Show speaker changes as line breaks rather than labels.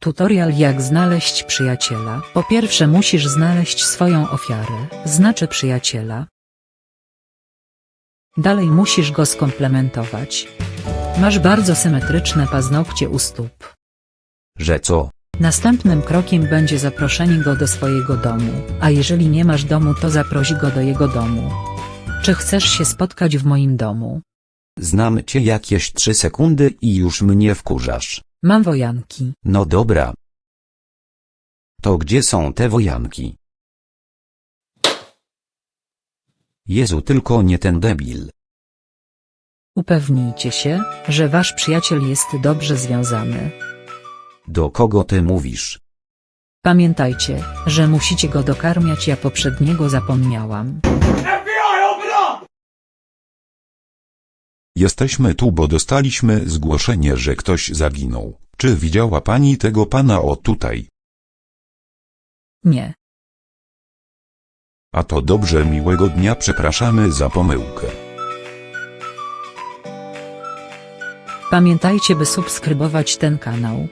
Tutorial jak znaleźć przyjaciela. Po pierwsze musisz znaleźć swoją ofiarę, znaczy przyjaciela. Dalej musisz go skomplementować. Masz bardzo symetryczne paznokcie u stóp.
Że co?
Następnym krokiem będzie zaproszenie go do swojego domu, a jeżeli nie masz domu, to zaproś go do jego domu. Czy chcesz się spotkać w moim domu?
Znam cię jakieś 3 sekundy i już mnie wkurzasz.
Mam wojanki.
No dobra. To gdzie są te wojanki? Jezu, tylko nie ten debil.
Upewnijcie się, że wasz przyjaciel jest dobrze związany.
Do kogo ty mówisz?
Pamiętajcie, że musicie go dokarmiać, ja poprzedniego zapomniałam.
Jesteśmy tu, bo dostaliśmy zgłoszenie, że ktoś zaginął. Czy widziała pani tego pana o tutaj?
Nie.
A to dobrze, miłego dnia, przepraszamy za pomyłkę.
Pamiętajcie, by subskrybować ten kanał.